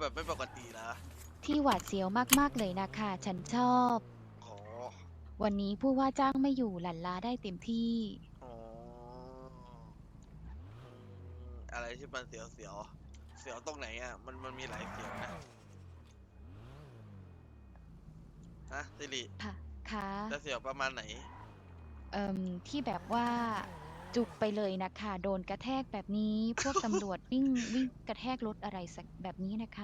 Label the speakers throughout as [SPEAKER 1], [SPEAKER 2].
[SPEAKER 1] แบบไม่ปกตินะ
[SPEAKER 2] ที่หวาดเสียวมากๆเลยนะคะ ฉันชอบ
[SPEAKER 1] อ๋อ
[SPEAKER 2] วันนี้ผู้ว่าจ้างไม่อยู่หลั่นล้าได้เต็มที่
[SPEAKER 1] อ๋ออะไรที่มันเสียวเสียวเสียวตรงไหนอ่ะมันมีหลายเสียวนะฮะสิริ
[SPEAKER 2] ค่ะค่ะ
[SPEAKER 1] จะเสียวประมาณไหน
[SPEAKER 2] ที่แบบว่าจุกไปเลยนะคะ โดนกระแทกแบบนี้ พวกตำรวจวิ่งกระแทกรถอะไรสักแบบนี้นะคะ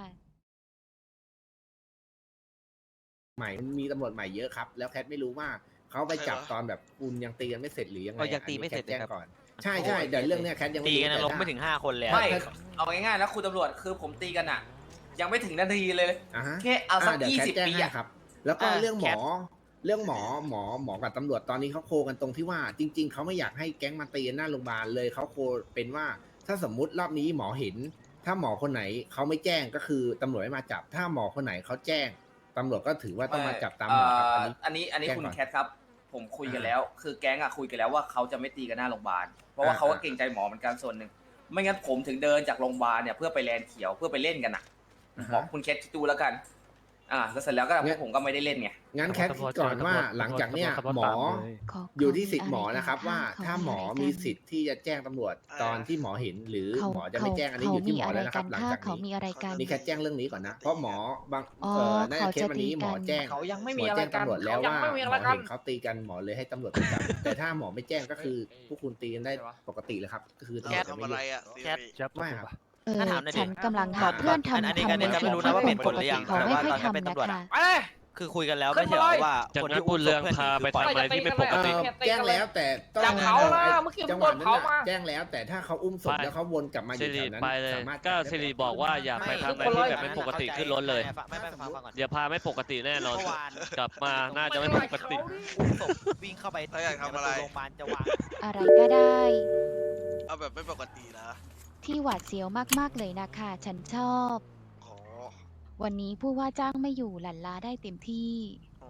[SPEAKER 3] ใหม่มันมีตำรวจใหม่เยอะครับแล้วแคทไม่รู้ว่าเขาไป
[SPEAKER 1] ใครวะ
[SPEAKER 3] จับตอนแบบคุณยังตีกันไม่เสร็จหรือยังไง
[SPEAKER 4] ยังตีไม่เสร็จ
[SPEAKER 3] อันนี้แคทแจ้ง
[SPEAKER 4] เลยครับ
[SPEAKER 3] ก่อนใช่ใช่เดี๋ยวเรื่องเนี้ยแคทยังไม่
[SPEAKER 4] ตี
[SPEAKER 3] รู้
[SPEAKER 4] กัน
[SPEAKER 3] แต่
[SPEAKER 4] ลงไม่ถึง5 คนเลยอะ
[SPEAKER 5] ไม่เอาง่ายๆแล้วคุณตำรวจคือผมตีกันอ่ะ ยังไม่ถึงนาทีเลย
[SPEAKER 3] อ่าฮะ
[SPEAKER 5] แค่เอาสัก
[SPEAKER 3] เดี๋ยวแคทแจ้ง
[SPEAKER 5] 20 ปี
[SPEAKER 3] ให้
[SPEAKER 5] อ่ะ
[SPEAKER 3] ครับ แล้วก็เรื่องหม
[SPEAKER 4] แค
[SPEAKER 3] อ
[SPEAKER 4] ท
[SPEAKER 3] เรื่องหมอกับตำรวจตอนนี้เขาโคกันตรงที่ว่า จริง ๆเขาไม่อยากให้แก๊งมาตีกันหน้าโรงพยาบาลเลยเขาโคเป็นว่าถ้าสมมุติรอบนี้หมอเห็น ถ้าหมอคนไหนเขาไม่แจ้งก็คือตำรวจไม่มาจับ ถ้าหมอคนไหนเขาแจ้งตำรวจก็ถือว่าต้องมาจับตามหมอครับ
[SPEAKER 5] อันนี้
[SPEAKER 3] แจ้ง
[SPEAKER 5] คุณ
[SPEAKER 3] ก่อน
[SPEAKER 5] แคทครับ ผมคุยกันแล้ว คือแก๊งอ่ะคุยกันแล้วว่าเขาจะไม่ตีกันหน้าโรงพยาบาล เพราะว่าเขาก็เกรงใจหมอเหมือนกันส่วนหนึ่ง ไม่งั้นผมถึงเดินจากโรงพยาบาลเนี่ยเพื่อไปแลนด์เขียวเพื่อไปเล่นกันอ่ะบอกคุณแคทคิดดูแล้วกัน แล้วเสร็จแล้วก็พวกผมก็ไม่ได้เล่นไง
[SPEAKER 3] งั้นแคทคิดก่อนว่าหลังจากเนี้ยหมอ อยู่ที่สิทธิ์หมอนะครับว่าถ้าหมอมีสิทธิ์ที่จะแจ้งตำรวจตอนที่หมอเห็นหรือหมอจะไม่แจ้งอันนี้อยู่ที่หมอแล้วนะครับหลังจาก
[SPEAKER 2] เขามี
[SPEAKER 3] นี้
[SPEAKER 2] อะไรกัน
[SPEAKER 3] นี่แค่แจ้งเรื่องนี้ก่อนนะเพราะหมอบาง
[SPEAKER 2] อ๋อ
[SPEAKER 3] น่าจะเคสวันนี้หมอแจ้ง
[SPEAKER 5] เขายังไม่
[SPEAKER 3] หม
[SPEAKER 5] มี
[SPEAKER 3] อ
[SPEAKER 5] อะไร
[SPEAKER 3] แจ้ง
[SPEAKER 5] กัน
[SPEAKER 3] ตำรวจแล้ว
[SPEAKER 5] เขายัง
[SPEAKER 3] ว่า
[SPEAKER 5] ไม่มี
[SPEAKER 3] ห
[SPEAKER 5] อะ
[SPEAKER 3] ม
[SPEAKER 5] ไร
[SPEAKER 3] อ
[SPEAKER 5] กัน
[SPEAKER 3] เห็นเขาตีกันหมอเลยให้ตำรวจไปจับแต่ถ้าหมอไม่แจ้งก็คือพวกคุณตีกันได้ปกติเลยครับก็คือตำร
[SPEAKER 1] แคว
[SPEAKER 3] จ
[SPEAKER 1] ท
[SPEAKER 3] จะ
[SPEAKER 1] ทำ
[SPEAKER 3] ไม่
[SPEAKER 1] อะไร
[SPEAKER 3] ยุ่ง
[SPEAKER 1] อ่ะสิ
[SPEAKER 4] แคท
[SPEAKER 1] ริ
[SPEAKER 3] ไม่ครับ
[SPEAKER 4] ถ้าถามหน่อยดิ
[SPEAKER 2] ฉันกำลังหาเพื่อนทำ
[SPEAKER 4] อันนี้
[SPEAKER 2] ทำ
[SPEAKER 4] อันนี้
[SPEAKER 2] งาน
[SPEAKER 4] ก็ไม่รู้นะว่า
[SPEAKER 2] เป็น
[SPEAKER 4] เป็น
[SPEAKER 2] ป
[SPEAKER 4] ผล
[SPEAKER 2] ก
[SPEAKER 4] หรือยั
[SPEAKER 2] ติ
[SPEAKER 4] ง
[SPEAKER 2] เขา
[SPEAKER 4] แต่
[SPEAKER 2] ไม่
[SPEAKER 4] ว่า
[SPEAKER 2] ค่อย
[SPEAKER 4] ตอนนั้นเป็น
[SPEAKER 2] ทำนะ
[SPEAKER 4] ตำรวจ
[SPEAKER 2] คะ
[SPEAKER 4] อะ
[SPEAKER 5] ไปเลย
[SPEAKER 4] คือคุยกันแล้ว
[SPEAKER 5] ขึ้
[SPEAKER 4] ไม่
[SPEAKER 5] น
[SPEAKER 4] ใช่
[SPEAKER 5] มา
[SPEAKER 4] เหรอ
[SPEAKER 5] เลย
[SPEAKER 4] ว่า
[SPEAKER 6] จาก
[SPEAKER 4] คน
[SPEAKER 6] นั้น
[SPEAKER 4] ที่
[SPEAKER 6] บุ
[SPEAKER 4] อุ้
[SPEAKER 6] ญ
[SPEAKER 4] มศ
[SPEAKER 6] เรื
[SPEAKER 4] พ
[SPEAKER 6] อง
[SPEAKER 4] เพื่อนห
[SPEAKER 6] พา
[SPEAKER 4] นี
[SPEAKER 6] ไป
[SPEAKER 4] คือปล่อย
[SPEAKER 6] ทำอะไรที่ไม่ปกติ
[SPEAKER 3] แจ้งแล้วแต่ต้อง
[SPEAKER 5] จับเขานะเมื่อกี้มึงโดนเผามา
[SPEAKER 3] แจ้งแล้วแต่ถ้าเขาอุ้มศพ
[SPEAKER 6] ไป
[SPEAKER 3] แล้วเขาวนกลับมาอ
[SPEAKER 6] สิ
[SPEAKER 3] ยู่แถ
[SPEAKER 6] ริ
[SPEAKER 3] วนั้น
[SPEAKER 6] ไปเลย
[SPEAKER 3] สามารถ
[SPEAKER 6] ก็
[SPEAKER 3] จับได้
[SPEAKER 6] สิริ
[SPEAKER 3] ปติ
[SPEAKER 6] บอกว่าอย่าไปทำอะไรที่แบบไม่ปกติขึ้นรถเลย
[SPEAKER 4] ไม่ฟังก่อน
[SPEAKER 6] อย่าพาไม่ปกติแน่นอน
[SPEAKER 4] เมื่อวาน
[SPEAKER 6] กลับมาน่าจะไม่ปกติ
[SPEAKER 4] อุ้มศพวิ่งเข้าไป
[SPEAKER 1] เขาอยากทำอะไร
[SPEAKER 4] โรงพยาบาลจะวาง
[SPEAKER 2] อะไรก็ได้
[SPEAKER 1] เอาแบบไม่ปกตินะ
[SPEAKER 2] ที่หวาดเสียวมากๆเลยนะคะ ฉันชอบ
[SPEAKER 1] อ๋อ
[SPEAKER 2] วันนี้ผู้ว่าจ้างไม่อยู่หลั่นล้าได้เต็มที่
[SPEAKER 1] อ๋อ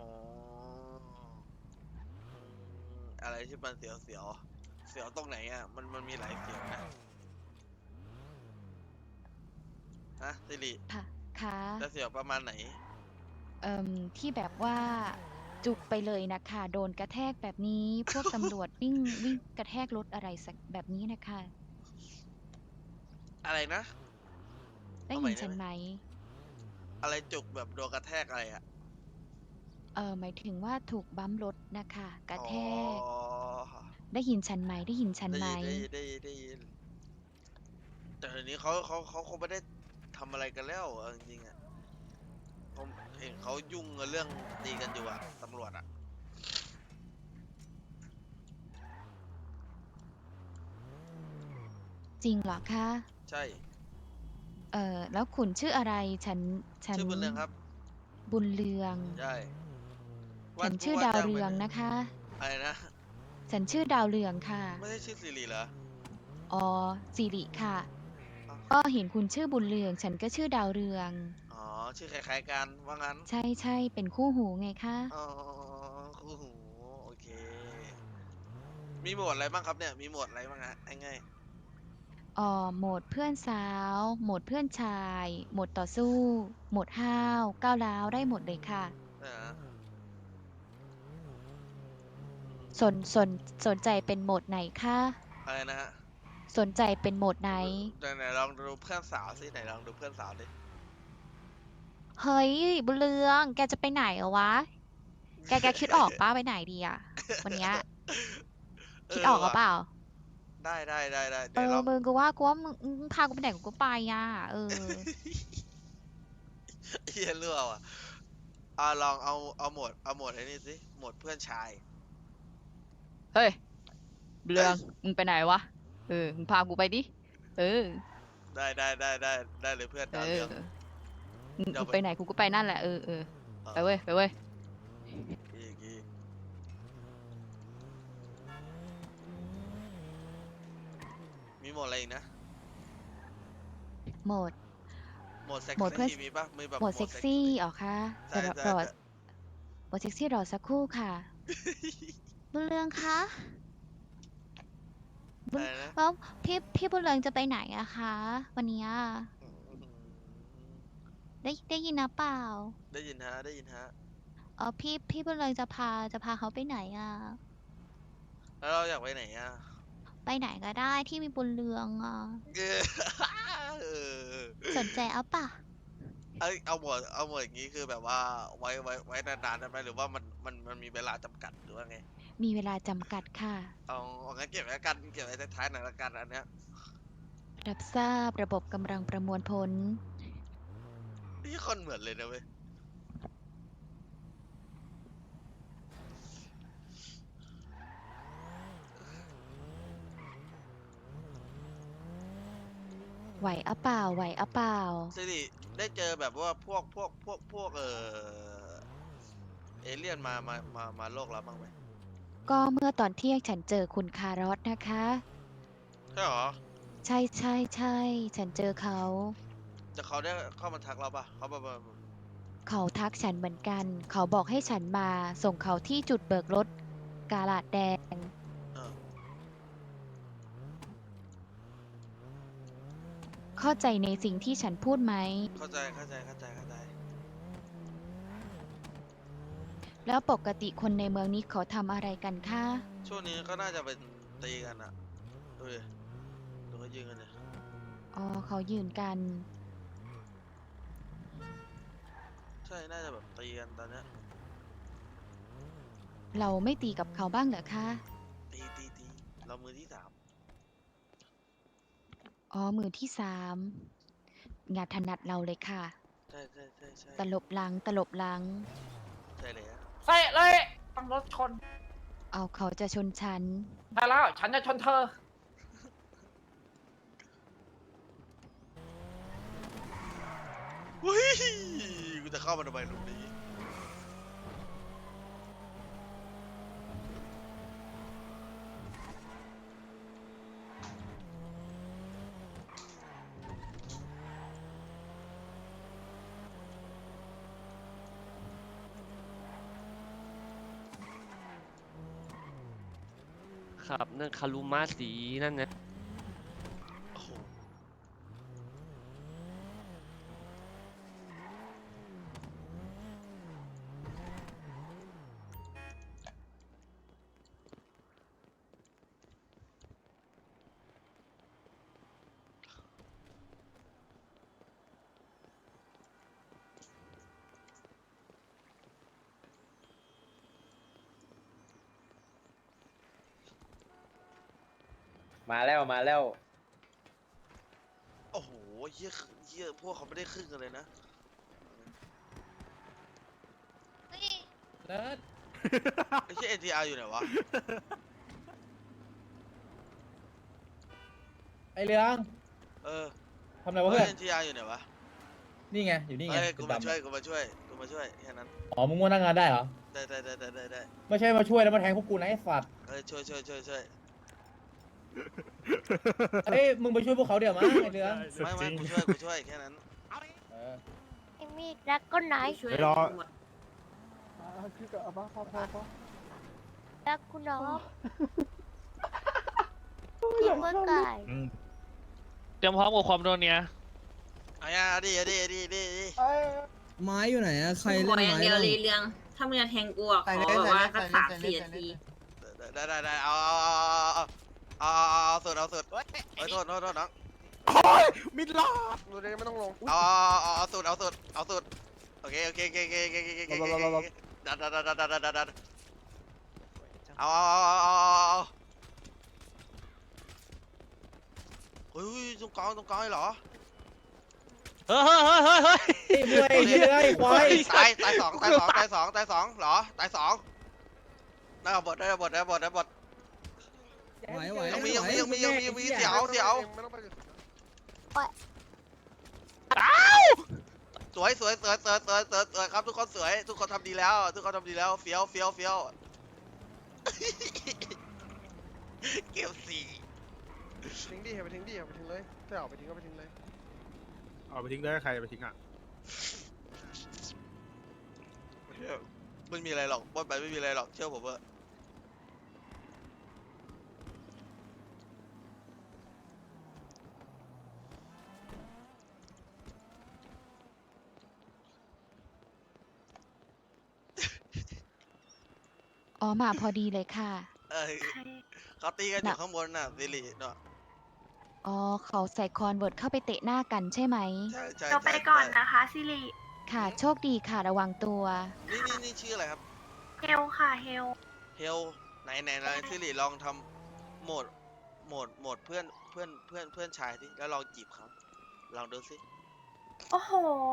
[SPEAKER 1] อะไรที่มันเสียวเสียวเสียวตรงไหนอ่ะมันมีหลายเสียวนะฮะสิริ
[SPEAKER 2] ค่ะค่ะ
[SPEAKER 1] จะเสียวประมาณไหน
[SPEAKER 2] ที่แบบว่าจุกไปเลยนะคะ โดนกระแทกแบบนี้ พวกตำรวจวิ่งกระแทกรถอะไรสักแบบนี้นะคะ
[SPEAKER 1] อะไรนะ
[SPEAKER 2] ได้
[SPEAKER 1] เอาใหม่
[SPEAKER 2] ยินฉัน
[SPEAKER 1] ได้ไหม
[SPEAKER 2] ไหม
[SPEAKER 1] อะไรจุกแบบโดนกระแทกอะไรอ่ะ
[SPEAKER 2] หมายถึงว่าถูกบัมป์รถนะคะ กระแทก
[SPEAKER 1] อ๋อ
[SPEAKER 2] ได้ยินฉันไหม ได้ยินฉัน
[SPEAKER 1] ได้
[SPEAKER 2] ไหม
[SPEAKER 1] ยินได้ยินแต่เดี๋ยวนี้เขาคงไม่ได้ทำอะไรกันแล้วเอาจริงๆอ่ะผมเห็นเขายุ่งกับเรื่องตีกันอยู่อ่ะตำรวจอ่ะ
[SPEAKER 2] จริงเหรอคะ
[SPEAKER 1] ใช่
[SPEAKER 2] แล้วคุณชื่ออะไร ฉัน
[SPEAKER 1] ชื่อบุญเรืองครับ
[SPEAKER 2] บุญเรือง
[SPEAKER 1] ใช่
[SPEAKER 2] ฉันชื่อดาวเรืองนะคะ
[SPEAKER 1] อะไรนะ
[SPEAKER 2] ฉันชื่อดาวเรืองค่ะ
[SPEAKER 1] ไม่ใช่ชื่อสิริเหรอ
[SPEAKER 2] อ๋อสิริค่ะ
[SPEAKER 1] อ้าว
[SPEAKER 2] ก็เห็นคุณชื่อบุญเรือง ฉันก็ชื่อดาวเรือง
[SPEAKER 1] อ๋อ ชื่อคล้ายๆกันว่างั้น
[SPEAKER 2] ใช่เป็นคู่หูไงคะ
[SPEAKER 1] อ๋อคู่หูโอเค มีโหมดอะไรบ้างครับเนี่ย มีโหมดอะไรบ้างฮะง่าย
[SPEAKER 2] โหมดเพื่อนสาว โหมดเพื่อนชาย โหมดต่อสู้ โหมดห้าวก้าวร้าวได้หมดเลยค่ะ
[SPEAKER 1] ๆนะฮะ
[SPEAKER 2] สนใจเป็นโหมดไหนคะ
[SPEAKER 1] อะไรนะฮะ
[SPEAKER 2] สนใจเป็นโหมดไหน
[SPEAKER 1] ไหนลองดูเพื่อนสาวสิไหนลองดูเพื่อนสาวดิ
[SPEAKER 2] เฮ้ยบุญเรือง แกจะไปไหนเหรอวะ แกคิดออกป้าไปไหนดีอะวันเนี้ยคิดออกหรือเปล่า
[SPEAKER 1] ได้
[SPEAKER 2] เอ
[SPEAKER 1] เดี๋ยว
[SPEAKER 2] อ
[SPEAKER 1] ลอง
[SPEAKER 2] มึงกูว่ามึงพากูไปไหนกูไปอ่ะเออ
[SPEAKER 1] เฮียเรื่องอ่ะลองเอาโหมดไอ้นี่สิโหมดเพื่อนชาย
[SPEAKER 2] เฮ้ยเรือง มึงไปไหนวะ มึงพากูไปดิ
[SPEAKER 1] ได้เลยเพื่อนดาวเรือง
[SPEAKER 2] มึง
[SPEAKER 1] เดี๋ยว
[SPEAKER 2] ไปไหนกูก็ไปนั่นแหละ ไปเว้ย
[SPEAKER 1] อีกมีโหมดอะไรอีกนะ
[SPEAKER 2] โหมด
[SPEAKER 1] โหมดเซ็ก
[SPEAKER 2] โหมดเพื่อน
[SPEAKER 1] ซี่มีปะมีแบบ
[SPEAKER 2] โหมดเซ็กซี่อ๋อคะ
[SPEAKER 1] ใช่
[SPEAKER 2] รอโหมดเซ็กซี่รอสักครู่ค่ะ บุญเรืองคะ
[SPEAKER 1] อะไรนะ
[SPEAKER 2] แล้วพี่บุญเรืองจะไปไหนอะคะ วันเนี้ย
[SPEAKER 1] อืม
[SPEAKER 2] ได้ยินนะเปล่า
[SPEAKER 1] ได้ยินฮะได้ยินฮะ
[SPEAKER 2] พี่บุญเรืองจะพาเขาไปไหนอ่ะ
[SPEAKER 1] แล้วเราอยากไปไหนอ่ะ
[SPEAKER 2] ไปไหนก็ได้ที่มีบุญเรืองอ่ะ
[SPEAKER 1] เออเออ
[SPEAKER 2] สนใจเอาป่ะ
[SPEAKER 1] เอาหมดอย่างนี้คือแบบว่าไว้นานๆได้ไหมหรือว่ามันมีเวลาจำกัดหรือว่าไง
[SPEAKER 2] มีเวลาจำกัดค่ะ
[SPEAKER 1] เอางั้นเก็บไว้ละกันเก็บไว้ท้ายๆหน่อยละกันอันเนี้ย
[SPEAKER 2] รับทราบระบบกำลังประมวลผล
[SPEAKER 1] นี่คนเหมือนเลยนะเว้ย
[SPEAKER 2] ไหวอะเปล่าไหวอะเปล่า
[SPEAKER 1] สิริได้เจอแบบว่าพวกเอเลี่ยนมาโลกเราบ้างไหม
[SPEAKER 2] ก็เมื่อตอนเที่ยงฉันเจอคุณคารอสนะคะ
[SPEAKER 1] ใช่หรอ
[SPEAKER 2] ใช่ฉันเจอเขา
[SPEAKER 1] จะเขาได้เข้ามาทักเราปะเขาแบบ
[SPEAKER 2] เขาทักฉันเหมือนกัน เขาบอกให้ฉันมาส่งเขาที่จุดเบิกรถกาลาดแดง
[SPEAKER 1] เออ
[SPEAKER 2] เข้าใจในสิ่งที่ฉันพูดไหม
[SPEAKER 1] เข้าใจ
[SPEAKER 2] แล้วปกติคนในเมืองนี้เขาทำอะไรกันคะ
[SPEAKER 1] ช่วงนี้ก็น่าจะเป็นตีกันอะดูดิดูเขายิงกันเนี่ย
[SPEAKER 2] อ๋อเขายืนกัน
[SPEAKER 1] ใช่น่าจะแบบตีกันตอนเนี้ย
[SPEAKER 2] เราไม่ตีกับเขาบ้างเหรอคะ
[SPEAKER 1] ตีเรามือที่สาม
[SPEAKER 2] อ๋อมือที่สามงานถนัดเราเลยค่ะ
[SPEAKER 1] ใช่
[SPEAKER 2] ตลบหลัง
[SPEAKER 1] ใช่เลยอะ
[SPEAKER 7] ใช่เลยต้องรถชน
[SPEAKER 2] เอาเขาจะชนฉัน
[SPEAKER 7] ได้แล้ว ฉันจะชนเธอ
[SPEAKER 1] อุ้ยกูจะเข้ามาทำไมลูกนี้
[SPEAKER 6] ครับนั่นคารุมาสีนั่นนะ
[SPEAKER 1] โอ้โห
[SPEAKER 8] มาแล้ว
[SPEAKER 1] โอ้โหเหี้ยพวกเขาไม่ได้ครึ่งกันเลยนะ ไอ้เชี่ย NTR อยู่ไหนวะ
[SPEAKER 8] ไอเรือง
[SPEAKER 1] เออ
[SPEAKER 8] ทำอะไรวะเพื่อน
[SPEAKER 1] NTR อยู่ไหนวะ
[SPEAKER 8] นี่ไง อยู่นี่ไง
[SPEAKER 1] เอ้ยกูมา
[SPEAKER 8] ดำๆ
[SPEAKER 1] ช่วยแค่นั้น
[SPEAKER 8] อ๋อ มึงมานั่งงานได้เหรอ
[SPEAKER 1] ได้
[SPEAKER 8] ไม่ใช่มาช่วยแล้วมาแทงพวกกูนะไอ้สัตว์
[SPEAKER 1] เอ้ยช่วย
[SPEAKER 8] เอ้ย มึงไปช่วยพวกเขาเดี๋ยวมั้งไอเรือง
[SPEAKER 1] ไม่กูช่วยแค่นั้น
[SPEAKER 8] เออ
[SPEAKER 9] ไอ้มีดรักก็ไหนช่วย
[SPEAKER 10] ไปรอ
[SPEAKER 9] รักคุณน้องกินเมื่อไก่
[SPEAKER 6] เตรียมพร้อมกับความโดนเนี่ย
[SPEAKER 1] เอาอย่าดิ
[SPEAKER 11] ไม้อยู่ไหนอะใคร
[SPEAKER 9] ขอ
[SPEAKER 11] เล่น
[SPEAKER 9] อย่าง
[SPEAKER 11] ไม้
[SPEAKER 9] เดียว
[SPEAKER 11] บ้าง
[SPEAKER 9] เลยเรื่องถ้ามึงจะแทงกูอะขอแบบว่าสัก3-4 นาที
[SPEAKER 1] ได้เอาสุดเอ้ยโทษน้อง
[SPEAKER 10] มิดลอดดูได้ไม่ต้องลง
[SPEAKER 1] เอาสุดโอเคดันเอาเฮ้ยตรงกลางเหรอ
[SPEAKER 6] เฮ้ย
[SPEAKER 8] ไอ้มวยไอ้เหี้ยไอ้ควาย
[SPEAKER 1] ตายสองเหรอตายสองได้ระเบิด
[SPEAKER 11] ไหว
[SPEAKER 1] ยังมีเสียว
[SPEAKER 10] ไม่ต้องไปเลย
[SPEAKER 1] สวยครับทุกคนสวยทุกคนทำดีแล้วเฟี้ยวเก็บสี่
[SPEAKER 10] ทิ้งดิไปทิ้งเลยถ้าเอาไปทิ้งก็ไปทิ้งเลยเอาไปทิ้งได้ใครไปทิ้งอ่ะ
[SPEAKER 1] ไม่มีอะไรหรอกบนไปไม่มีอะไรหรอกเชื่อผมเถอะ
[SPEAKER 2] อ๋อมาพอดีเลยค่ะ
[SPEAKER 1] เออเขาตีกันอยู่ข้างบนน่ะสิริเนาะ
[SPEAKER 2] อ๋อเขาใส่คอนเวิร์ตเข้าไปเตะหน้ากันใช่ไหม
[SPEAKER 1] ใช่ใช่
[SPEAKER 9] เราไป
[SPEAKER 1] ใช่
[SPEAKER 9] ก่อน
[SPEAKER 1] ใช่
[SPEAKER 9] นะคะซิริ
[SPEAKER 2] ค่ะ โชคดีค่ะระวังตัว
[SPEAKER 1] นี่ชื่ออะไรครับ
[SPEAKER 9] เฮลค่ะเฮล
[SPEAKER 1] เฮลไหนสิริลองทำโหมดเพื่อนชายสิแล้วลองจีบเขาลองดูสิ
[SPEAKER 9] โอ้โห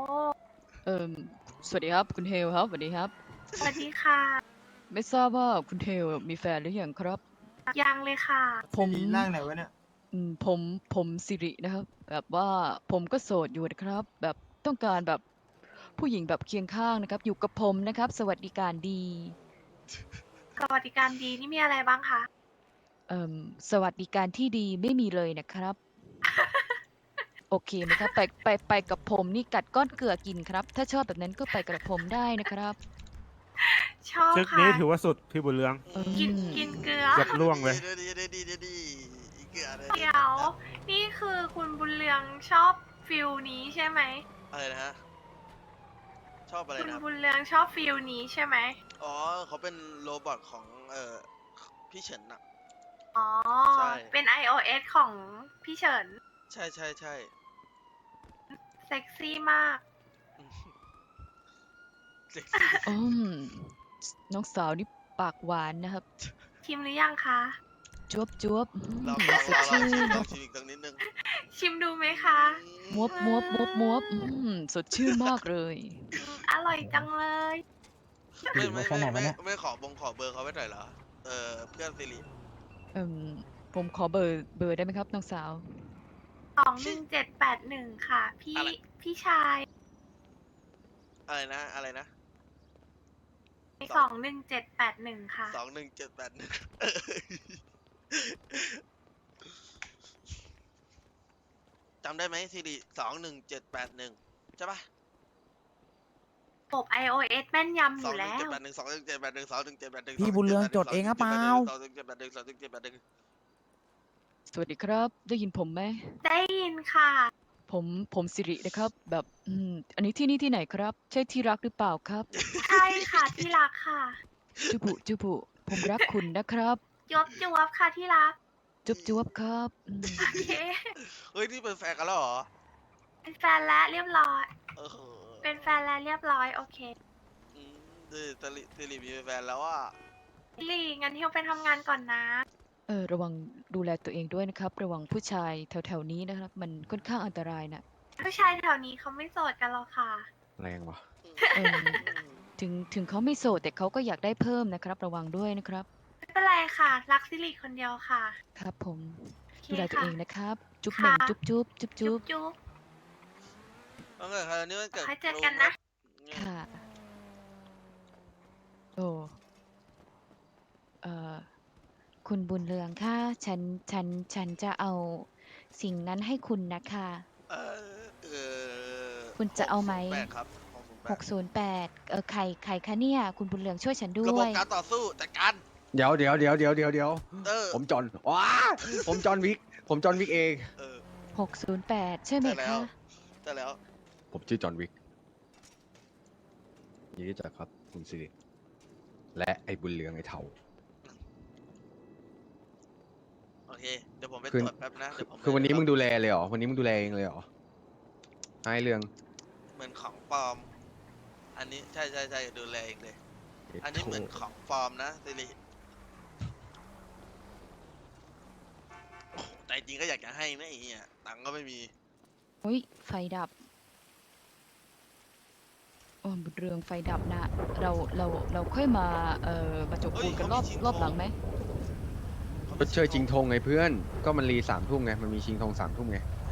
[SPEAKER 2] สวัสดีครับคุณเฮลครับสวัสดีครับ
[SPEAKER 9] สวัสดีค่ะ
[SPEAKER 2] ไม่ทราบว่าคุณเฮลมีแฟนหรือยังครับ
[SPEAKER 9] ยังเลยค่ะ
[SPEAKER 2] ผมร่างไหนวะเนี่ยผมสิรินะครับ แบบว่าผมก็โสดอยู่นะครับ แบบต้องการแบบผู้หญิงแบบเคียงข้างนะครับ อยู่กับผมนะครับ สวัสดิการดี
[SPEAKER 9] สวัสดิการดีนี่มีอะไรบ้างคะ
[SPEAKER 2] สวัสดิการที่ดีไม่มีเลยนะครับ โอเคไหมครับ ไปกับผมนี่กัดก้อนเกลือกินครับ ถ้าชอบแบบนั้นก็ไปกับผมได้นะครับ
[SPEAKER 9] ชอบ
[SPEAKER 10] ชึก
[SPEAKER 9] ค่ะ
[SPEAKER 10] นี้ถือว่าสุดพี่บุญเรือง
[SPEAKER 9] กินเกลือ
[SPEAKER 10] เกือบล่วงเลย
[SPEAKER 1] ดีอีกเกือเลย
[SPEAKER 9] เดี๋ยว นี่คือคุณบุญเรืองชอบฟิลนี้ใช่ไหม
[SPEAKER 1] อะไรนะฮะชอบอะไร
[SPEAKER 9] คุณ
[SPEAKER 1] นะครับ
[SPEAKER 9] บุญเรืองชอบฟิลนี้ใช่ไหม
[SPEAKER 1] อ๋อเขาเป็นโรบอทของพี่เฉินน่ะ
[SPEAKER 9] อ๋อ
[SPEAKER 1] ใช่
[SPEAKER 9] เป็น iOS ของพี่เฉิน
[SPEAKER 1] ใช่
[SPEAKER 9] เซ็กซี่มาก
[SPEAKER 1] เซ็กซี่
[SPEAKER 2] น้องสาวนี่ปากหวานนะครับ
[SPEAKER 9] ชิมหรือยังคะ
[SPEAKER 2] จวบจวบ
[SPEAKER 1] ลอง
[SPEAKER 2] สดชื่น
[SPEAKER 1] ลองชิมอีกสักนิดนึง
[SPEAKER 9] ชิมดูไหมคะ
[SPEAKER 2] มวบสดชื่นมากเลย
[SPEAKER 9] อร่อยจังเลย
[SPEAKER 1] ไม่ขอเบอร์เขาไว้หน่อยเหรอเพื่อนสิริ
[SPEAKER 2] ผมขอเบอร์ได้ไหมครับน้องสาว
[SPEAKER 9] 21781 ค่ะ พี่ชาย
[SPEAKER 1] อะไรนะ
[SPEAKER 9] 21781 ค่ะ
[SPEAKER 1] 21781จำได้ไหมสิริ21781ใช่ปะ
[SPEAKER 9] ระบบ iOS แม่นยำอยู่แล้ว
[SPEAKER 1] 21781
[SPEAKER 8] พี่บุญเรืองจดเองหรือเปล่า
[SPEAKER 2] สวัสดีครับ ได้ยินผมไหม
[SPEAKER 9] ได้ยินค่ะ
[SPEAKER 2] ผมสิรินะครับ แบบอันนี้ที่นี่ที่ไหนครับ ใช่ที่รักหรือเปล่าครับ
[SPEAKER 9] ใช่ค่ะที่รักค่ะ
[SPEAKER 2] จุบุผมรักคุณนะครับ
[SPEAKER 9] จวบค่ะที่รัก
[SPEAKER 2] จวบครับ
[SPEAKER 9] โอเค
[SPEAKER 1] เฮ้ยนี่เป็นแฟนกันแล้วเหรอ
[SPEAKER 9] เป็นแฟนแล้วเรียบร้อย
[SPEAKER 1] เออ
[SPEAKER 9] เป็นแฟนแล้วเรียบร้อย โอเค
[SPEAKER 1] สิริมีแฟนแล้วอ่ะ
[SPEAKER 9] ลีงั้นเที่ยวไปทำงานก่อนนะ
[SPEAKER 2] ระวังดูแลตัวเองด้วยนะครับ ระวังผู้ชายแถวๆนี้นะครับ มันค่อนข้างอันตรายนะ
[SPEAKER 9] ผู้ชายแถวนี้เขาไม่โสดกันหรอกค่ะ
[SPEAKER 11] แรงวะ
[SPEAKER 2] เอิ่มถึงเขาไม่โสดแต่เขาก็อยากได้เพิ่มนะครับ ระวังด้วยนะครับ
[SPEAKER 9] ไม่เป็นไรค่ะ รักซิริคนเดียวค่ะ
[SPEAKER 2] ครับผม
[SPEAKER 9] โอเค
[SPEAKER 2] ดูแลตัว
[SPEAKER 9] ค่ะ
[SPEAKER 2] เองนะครับ จุ๊บ
[SPEAKER 9] ค่ะ
[SPEAKER 2] หนึ่งจุ๊บ
[SPEAKER 9] จุ๊บ
[SPEAKER 1] เอาเกิดคราวนี้มันเกิด
[SPEAKER 9] ค่อยเจอกันนะ
[SPEAKER 2] ค่ะ โอ้คุณบุญเรืองค่ะฉันจะเอาสิ่งนั้นให้คุณนะคะ คุณจะเอาไหม
[SPEAKER 1] 608ครับ
[SPEAKER 2] 608ใครคะเนี่ย คุณบุญเรืองช่วยฉันด้
[SPEAKER 1] ระบ
[SPEAKER 2] ว
[SPEAKER 1] บ
[SPEAKER 2] ย
[SPEAKER 1] การต่อสู้จัดการ
[SPEAKER 11] เดี๋ยวผมจอห์นว้าผมจอห์นวิกเอง
[SPEAKER 2] 608 ใช่ไหม
[SPEAKER 1] ได้แล้ว
[SPEAKER 2] คะ
[SPEAKER 1] ได้แล้ว
[SPEAKER 11] ผมชื่อจอห์นวิกยินดีรู้จักครับคุณสิริและไอ้บุญเรืองไอ้เทา
[SPEAKER 1] โอเค เดี๋ยวผมไป
[SPEAKER 11] คือ
[SPEAKER 1] ตรวจแป๊บนะเดี๋ยวผม
[SPEAKER 11] คือวันนี้
[SPEAKER 1] ไป
[SPEAKER 11] มึงดูแลเลยเหรอวันนี้มึงดูแลเองเลยเหรอไอ้เรื่อง
[SPEAKER 1] เหมือนของปลอม อันนี้ใช่ดูแลเองเลย อันนี้เหมือนของปลอมนะสิริโอ้โหแต่จริงก็อยากจะให้นะไอ้เหี้ยตังค์ก็ไม่มี
[SPEAKER 2] อุ้ยไฟดับโอ้บุญเรืองไฟดับนะ เราค่อยมามาจบปูนกันรอบหลังไหม
[SPEAKER 11] ก็เชยจริงธงไงเพื่อน ก็มันรี3 ทุ่มไง มันมีชิงธง3 ทุ่มไง